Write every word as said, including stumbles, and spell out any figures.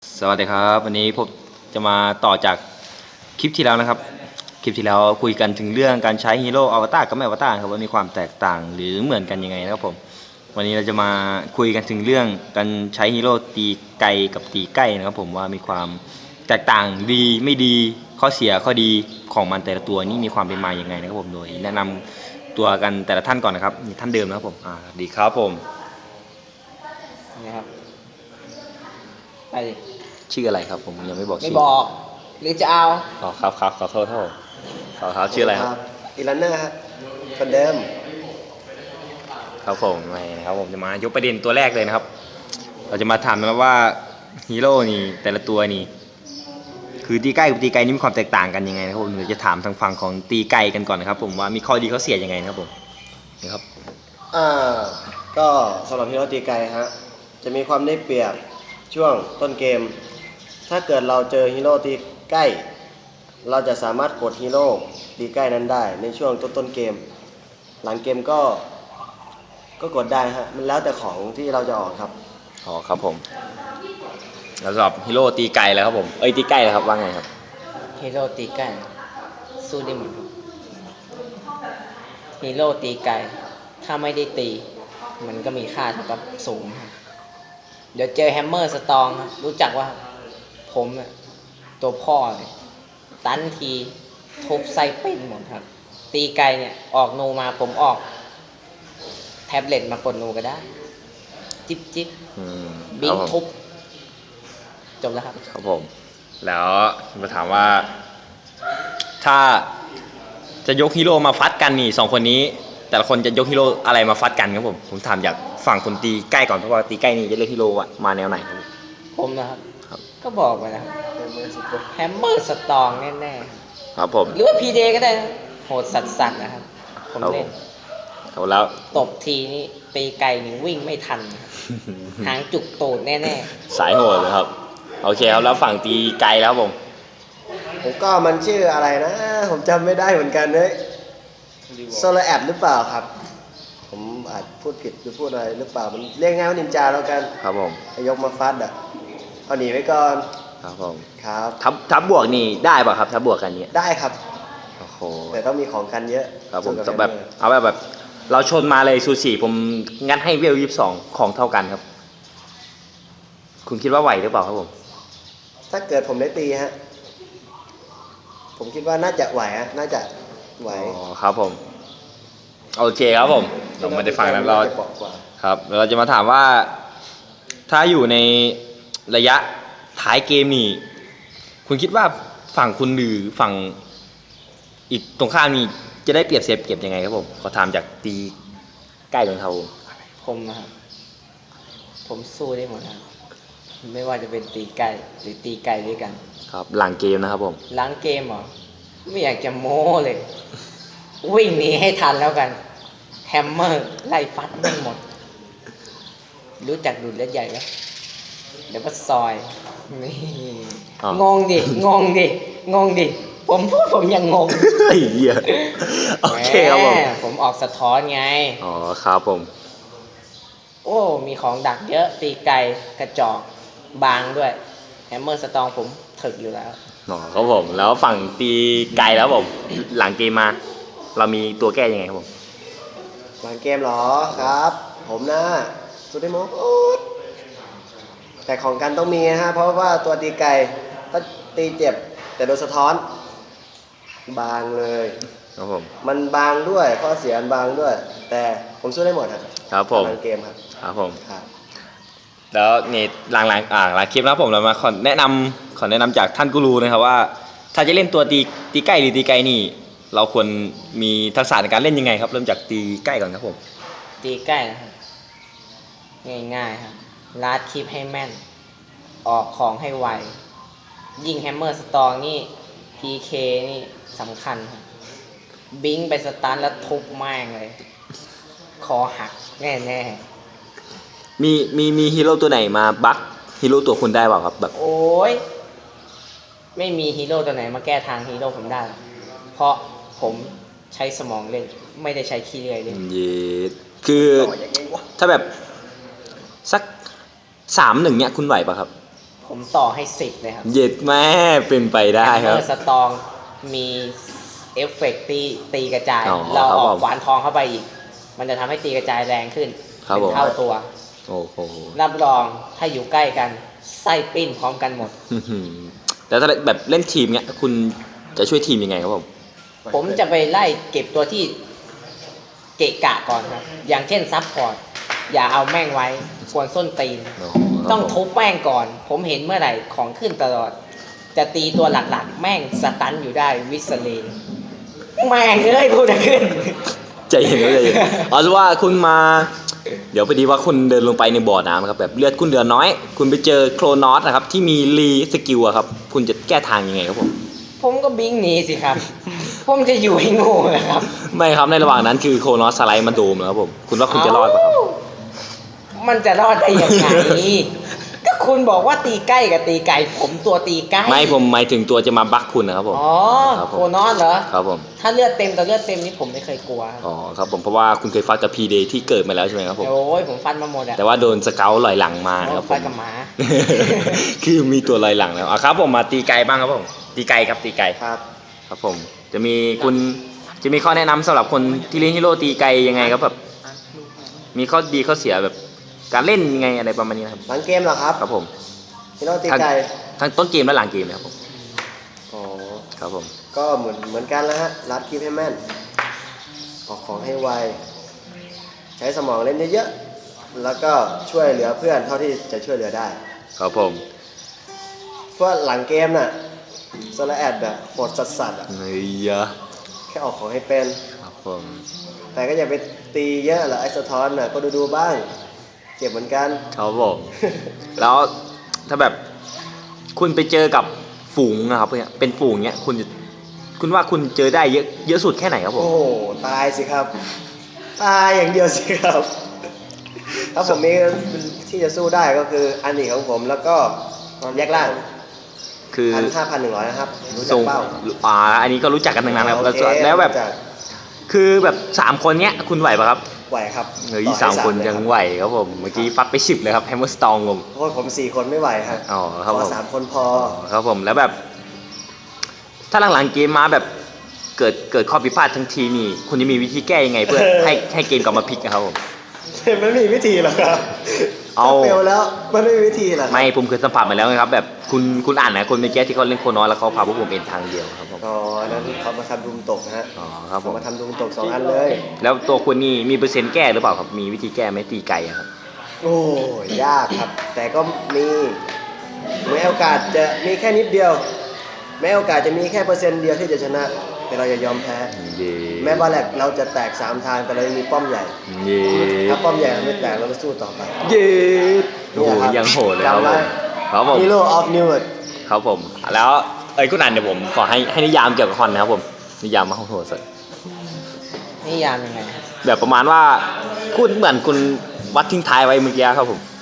สวัสดีครับวันนี้ผมจะมาต่อจากคลิปที่แล้วนะครับคลิปที่แล้วคุยกันถึงเรื่องการใช้ฮีโร่อวตารกับไม่อวตารครับว่ามีความแตกต่างหรือเหมือนกันยังไงนะครับผมวันนี้เราจะมาคุยกันถึงเรื่องการใช้ฮีโร่ตีไกลกับตีใกล้นะครับผมว่ามีความแตกต่างดีไม่ดีข้อเสียข้อดีของมันแต่ละตัวนี่มีความเป็นมาอย่างไงนะครับผมโดยแนะนำตัวกันแต่ละท่านก่อนนะครับนี่ท่านเดิมนะครับผมอ่าดีครับผมนะครับไปดิชื่ออะไรครับผมยังไม่บอกไม่ชื่อบอกหรือจะเอาอ๋อครับครับขอโทษครับขอครับชื่ออะไรครับอีลันเนอร์ครับคนเดิมครับผมไม่นะครับผมจะมายกประเด็นตัวแรกเลยนะครับ เราจะมาถามนะว่าฮีโร่นี่แต่ละตัวนี่คือตีใกล้กับตีไกลนี่มีความแตกต่างกันยังไงนะครับผมเราจะถามทางฝั่งของตีไกลกันก่อนนะครับผมว่ามีข้อดีข้อเสียยังไงนะครับผมนี่ครับอ่าก็สำหรับฮีโร่ตีไกลฮะจะมีความได้เปรียบช่วงต้นเกมถ้าเกิดเราเจอฮีโร่ตีใกล้เราจะสามารถกดฮีโร่ตีใกล้นั้นได้ในช่วงต้นต้นเกมหลังเกมก็ก็กดได้ฮะมันแล้วแต่ของที่เราจะออกครับอ๋อครับผมแล้วสำหรับฮีโร่ตีไกลแล้วครับผมเอ้ยตีใกล้แล้วครับว่าไงครับฮีโร่ตีไกลสู้ได้หมดฮีโร่ตีไกลถ้าไม่ได้ตีมันก็มีค่าเท่ากับศูนย์เดี๋ยวเจอแฮมเมอร์สตองรู้จักว่าผมเนี่ยตัวพ่อเลยตันทีทุบไส้เป็นหมดครับตีไกลเนี่ยออกนูมาผมออกแท็บเล็ตมากดนูก็ได้จิ๊บจิ๊บบิงทุบจบแล้วครับครับผมแล้วมาถามว่าถ้าจะยกฮีโร่มาฟัดกันนี่สองคนนี้แต่ละคนจะยกฮีโร่อะไรมาฟัดกันครับผมผมถามจากฝั่งคนตีใกล้ก่อนเพราะว่าตีใกล้นี่จะเลือกฮีโร่อะมาแนวไหนครับผมนะครับก็บอกไปนะครับแฮมเมอร์สตองแน่ๆครับผมหรือว่าพีเดก็ได้โหดสัสๆนะครับผมเล่นเอาแล้วตบทีนี่ตีไกลนี่วิ่งไม่ทันหางจุกตูดแน่ๆสายโหดเลยครับโอเคครับแล้วฝั่งตีไกลแล้วผมผมก็มันชื่ออะไรนะผมจำไม่ได้เหมือนกันเลยโซลาแอดหรือเปล่าครับผมอาจพูดผิดหรือพูดอะไรหรือเปล่ามันเรียกง่ายว่านินจาแล้วกันครับผมยกมาฟัดอ่ะเอาหนีไว้ก่อนครับผมครับทับทับบวกนี่ได้ป่ะครับทับบวกกันเนี่ยได้ครับโอ้โหแต่ต้องมีของกันเยอะครับผมแบบเอาแบบแบบเราชนมาเลยซูชิผมงัดให้เวลยี่สิบสองของเท่ากันครับคุณคิดว่าไหวหรือเปล่าครับผมถ้าเกิดผมได้ตีฮะผมคิดว่าน่าจะไหวฮะน่าจะไหวอ๋อครับผมโอเคครับผมเราไม่ได้ฟังแล้วเราครับเราจะมาถามว่าถ้าอยู่ในระยะท้ายเกมนี่คุณคิดว่าฝั่งคุณหรือฝั่งอีกตรงข้ามนี่จะได้เปรียบเสียเปรียบยังไงครับผมขอถามจากตีใกล้ของเขาผมนะครับผมสู้ได้หมดครับไม่ว่าจะเป็นตีไกลหรือตีไกลด้วยกันครับหลังเกมนะครับผมหลังเกมเหรอไม่อยากจะโม้เลยวิ่งหนีให้ทันแล้วกันแฮมเมอร์ไล่ฟัดไม่หมดรู้จักดูดเลือดใหญ่ไหมเดี๋ยวก็ซอยนี่งงดิงงดิงงดิผมพูดผมยังงงไอ้เหี้ยโอเคครับผมผมออกสะท้อนไงอ๋อครับผมโอ้มีของดักเยอะตีไกลกระจอกบางด้วยแฮมเมอร์สตองผมถึกอยู่แล้วอ๋อครับผมแล้วฝั่งตีไกลแล้วผมหลังเกมมาเรามีตัวแก้ยังไงครับผมหลังเกมหรอครับผมนะสุดที่โมดแต่ของกันต้องมีฮะเพราะว่าตัวตีไกลถ้าตีเจ็บแต่โดนสะท้อนบางเลยครับผมมันบางด้วยข้อเสียมันบางด้วยแต่ผมสู้ได้หมดครับครับผมหลังเกมครับครับผมครับแล้วนี่หลังๆอ่าหลังคลิปนะครับผมเรามาขอแนะนำขอแนะนำจากท่านกูรูนะครับว่าถ้าจะเล่นตัวตีตีใกล้หรือตีไกลนี่เราควรมีทักษะในการเล่นยังไงครับเริ่มจากตีใกล้ก่อนครับผมตีใกล้นะครับง่ายๆครับลาดคลิปให้แม่นออกของให้ไวยิงแฮมเมอร์สตองนี่ พี เค นี่สำคัญครับบิงไปสตาร์ทแล้วทุบแม่งเลยคอหักแน่ๆมีมีมีฮีโร่ตัวไหนมาบั๊กฮีโร่ตัวคุณได้เปล่าครับแบบโอ้ยไม่มีฮีโร่ตัวไหนมาแก้ทางฮีโร่ผมได้เพราะผมใช้สมองเล่นไม่ได้ใช้ขี้เลื่อยเล่นเย็ดคือถ้าแบบสักสามหนึ่งเนี่ยคุณไหวป่ะครับผมต่อให้สิบเลยครับเย็ดแม่เป็นไปได้ครับเมื่อสตองมีเอฟเฟกต์ตีตีกระจายอ๋อเราครับออผกมขวานทองเข้าไปอีก มันจะทำให้ตีกระจายแรงขึ้นครับเป็นผมเท่าตัวโอ้โหรับรองถ้าอยู่ใกล้กันไส้ปิ้นพร้อมกันหมดอื้อหือแต่ถ้าแบบเล่นทีมเนี้ยคุณจะช่วยทีมยังไงครับผมผมจะไปไล่เก็บตัวที่เกะกะก่อนครับ อย่างเช่นซับพอร์ตอย่าเอาแม่งไว้ควรส้นตีน ต้องทุบแม่งก่อน ผมเห็นเมื่อไหร่ของขึ้นตลอด จะตีตัวหลักๆ แม่งสตันอยู่ได้วิสเลนแม่งเอ้ยพูดจะขึ้นใจเย็นก็ใจเย็นเอาเป็นว่าคุณมา เดี๋ยวพอดีว่าคุณเดินลงไปในบ่อน้ำนะครับแบบเลือดคุณเดือน้อย คุณไปเจอโครนอสนะครับที่มีรีสกิลอะครับคุณจะแก้ทางยังไงครับผมผมก็บิงหนีสิครับ ผมจะอยู่ให้โง่นะครับไม่ครับในระหว่างนั้นคือโครนอสสไลด์มาโดมแล้วครับผมคุณว่าคุณจะรอดปะครับมันจะรอดได้ยังไง ก็คุณบอกว่าตีใกล้กับตีไกล ผมตัวตีใกล้ไม่ผมหมายถึงตัวจะมาบักคุณนะครับผมอ๋อครับผมโคนอนเหรอครับผมถ้าเลือดเต็มแต่เลือดเต็มนี่ผมไม่เคยกลัวอ๋อครับผมเพราะว่าคุณเคยฟัดกับพีเดย์ที่เกิดมาแล้วใช่ไหมครับผมโอ้ยผมฟันมาหมดอะแต่ว่าโดนสเกลลอยหลังมานะครับผฟันมกับหมาคือมีตัวลอยหลังแล้วอ่ะครับผมมาตีไกลบ้างครับผมตีไกลครับตีไกลครับครับผมจะมีคุณจะมีข้อแนะนำสำหรับคนที่เล่นฮีโร่ตีไกลยังไงครับแบบมีข้อดีข้อเสียแบบการเล่นยังไงอะไรประมาณนี้นะครับหลังเกมเหรอครับครับผมฮีโร่ตีไกลทั้งต้นเกมและหลังเกมนะครับผมอ๋อครับผมก็เหมือนเหมือนกันแล้วฮะรัดคลิปให้แม่น ออกของให้ไว ใช้สมองเล่นเยอะๆ แล้วก็ช่วยเหลือเพื่อนเท่าที่จะช่วยเหลือได้ครับผมเพราะหลังเกมน่ะโซลาแอดแบบโหดสัสๆอ่ะเฮ้ยยะแค่ออกของให้เป็นครับผมแต่ก็อย่าไปตีเยอะหรอกไอ้สะท้อนน่ะก็ดูๆบ้าง เจ็บเหมือนกันครับผมแล้วถ้าแบบคุณไปเจอกับฝูงนะครับเนี่ยเป็นฝูงเนี้ยคุณจะคุณว่าคุณเจอได้เยอะเยอะสุดแค่ไหนครับผมโอ้โหตายสิครับ ตายอย่างเดียวสิครับ ถ้าผมมีที่จะสู้ได้ก็คืออันนี้ของผมแล้วก็แยกล่างคือพันห้าพันหนึ่งร้อยนะครับ รู้จัทกรงเป้าอ่าอันนี้ก็รู้จักกันทั้งนั้นครับโอแล้วเคแล้วแบบรู้จักคือแบบสามคนเนี้ยคุณไหวปะครับไหวครับเฮ้ยต่อให้สามคนเลยยังรับไหวครับผมเมื่อกี้ฟัดไปสิบเลยครับแฮมเมอร์สตองผมโทษผมสี่คนไม่ไหวครับอ๋อครับขผอมสามคนพอครับผมแล้วแบบ ถ้าหลังๆเกมมาแบบเกิดเกิดข้อผิดพลาดทั้งทีนี่คุณจะมีวิธีแก้ยังไงเพื่อ ให้ให้เกมกลับมาพลิกนะครับผมมันไม่มีวิธีหรอกครับเอาถ้าเฟลแล้วมันไม่มีวิธีหรอกไม่ผมเคยสัมผัสมาแล้วไงครับแบบคุณคุณอ่านนะคนเมื่อกี้ที่เขาเล่นโคนอยแล้วเขาพาพวกผมเอ็นทางเดียวครับผมอ๋ออันนั้นเขามาทำดุมตกนะฮะอ๋อครับผเขามมาทำดุมตกสองอันเลยแล้วตัวคุณนี่มีเปอร์เซ็นต์แก้หรือเปล่าครับมีวิธีแก้ไหมตีไก่อะครับโอ้ยยากครับ แต่ก็มีแม้โอกาสจะมีแค่นิดเดียว แม้โอกาสจะมีแค่เปอร์เซ็นต์เดียวที่จะชนะ แต่เราจะยอมแพ้เย่แม้บาแลกเราจะแตกสามทางแต่เรายังมีป้อมใหญ่เย่ถ้าป้อมใหญ่เราไม่แตกเราก็สู้ต่อไปเย่โอ้โหยังโหดเลยครับผมครับผม Hero of New World ครับผมแล้วเอ้ยคุณอ่านเดี๋ยวผมขอให้ให้นิยามเกี่ยวกับคอนนะครับผมนิยามมาโหดสุดนี่ยามยังไงครับแบบประมาณว่าคุณเหมือนคุณวัดทิ้งท้ายไว้เมื่อกี้ครับผม